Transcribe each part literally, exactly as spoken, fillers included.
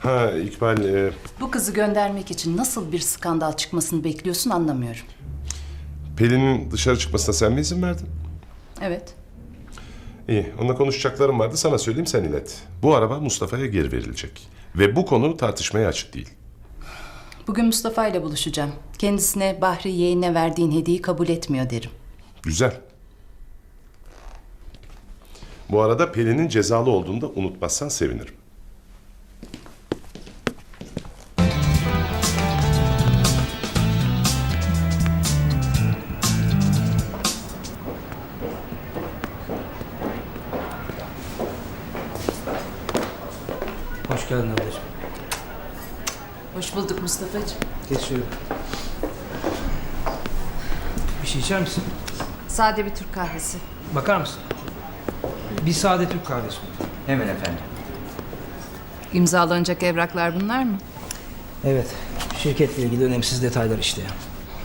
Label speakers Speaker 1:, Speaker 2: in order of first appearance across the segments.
Speaker 1: Ha İkbal, e,
Speaker 2: Bu kızı göndermek için nasıl bir skandal çıkmasını bekliyorsun anlamıyorum.
Speaker 1: Pelin'in dışarı çıkmasına sen mi izin verdin?
Speaker 2: Evet.
Speaker 1: İyi, onunla konuşacaklarım vardı, sana söyleyeyim, sen ilet. Bu araba Mustafa'ya geri verilecek. Ve bu konu tartışmaya açık değil.
Speaker 2: Bugün Mustafa ile buluşacağım. Kendisine Bahri yeğenine verdiğin hediyeyi kabul etmiyor derim.
Speaker 1: Güzel. Bu arada Pelin'in cezalı olduğunu da unutmazsan sevinirim.
Speaker 3: Hoş geldin ablacığım.
Speaker 2: Hoş bulduk Mustafa'cığım.
Speaker 3: Geç şöyle. Bir şey içer misin?
Speaker 2: Sade bir Türk kahvesi.
Speaker 3: Bakar mısın? Bir sade Türk kahvesi.
Speaker 4: Hemen efendim.
Speaker 2: İmzalanacak evraklar bunlar mı?
Speaker 3: Evet. Şirketle ilgili önemsiz detaylar işte ya.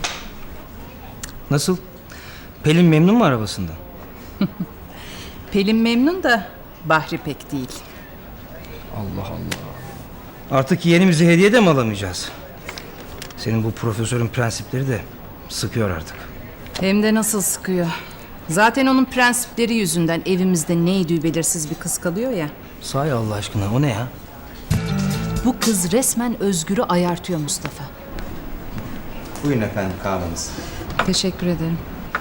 Speaker 3: Nasıl? Pelin memnun mu arabasından?
Speaker 2: Pelin memnun da Bahri pek değil.
Speaker 3: Allah Allah. Artık yeğenimizi hediye de mi alamayacağız? Senin bu profesörün prensipleri de sıkıyor artık.
Speaker 2: Hem de nasıl sıkıyor. Zaten onun prensipleri yüzünden evimizde neydi belirsiz bir kız kalıyor ya.
Speaker 3: Sahi Allah aşkına o ne ya?
Speaker 2: Bu kız resmen Özgür'ü ayartıyor Mustafa.
Speaker 4: Buyurun efendim kahveniz.
Speaker 2: Teşekkür ederim.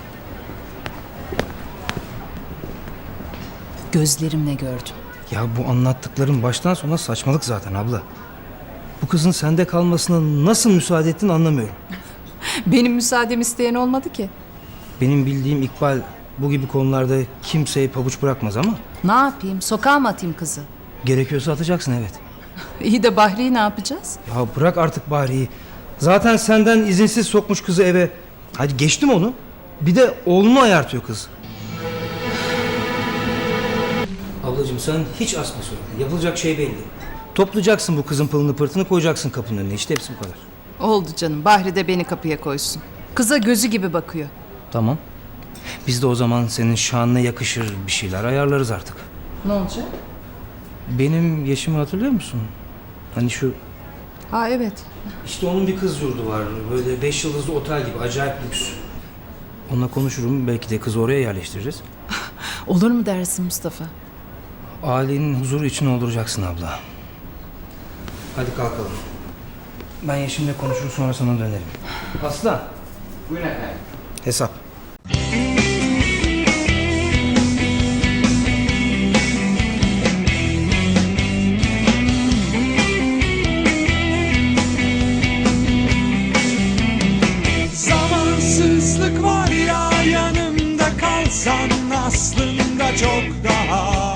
Speaker 2: Gözlerimle gördüm.
Speaker 3: Ya bu anlattıkların baştan sona saçmalık zaten abla. Bu kızın sende kalmasına nasıl müsaade ettin anlamıyorum.
Speaker 2: Benim müsaademi isteyen olmadı ki.
Speaker 3: Benim bildiğim İkbal bu gibi konularda kimseye pabuç bırakmaz ama
Speaker 2: Ne yapayım? Sokağa mı atayım kızı?
Speaker 3: gerekiyorsa atacaksın evet.
Speaker 2: İyi de Bahri'yi ne yapacağız?
Speaker 3: Ya bırak artık Bahri'yi. Zaten senden izinsiz sokmuş kızı eve. Hadi geçtim onu. Bir de oğlunu ayartıyor kız. Ablacığım sen hiç asma sonra. Yapılacak şey belli. Toplayacaksın bu kızın pılını pırtını koyacaksın kapının önüne. İşte hepsi bu kadar.
Speaker 2: Oldu canım. Bahri de beni kapıya koysun. Kıza gözü gibi bakıyor.
Speaker 3: Tamam. Biz de o zaman senin şanına yakışır bir şeyler ayarlarız artık.
Speaker 2: Ne olacak?
Speaker 3: Benim yaşımı hatırlıyor musun? Hani şu
Speaker 2: Ha evet.
Speaker 3: İşte onun bir kız yurdu var. Böyle beş yıldızlı otel gibi acayip lüks. Onunla konuşurum. Belki de kızı oraya yerleştiririz.
Speaker 2: Olur mu dersin Mustafa?
Speaker 3: Ailenin huzuru için olduracaksın abla. Hadi kalkalım. Ben Yeşim'le konuşur sonra sana dönerim. Aslan.
Speaker 4: Buyurun efendim.
Speaker 3: Hesap.
Speaker 5: Zamansızlık var ya yanımda kalsan aslında çok daha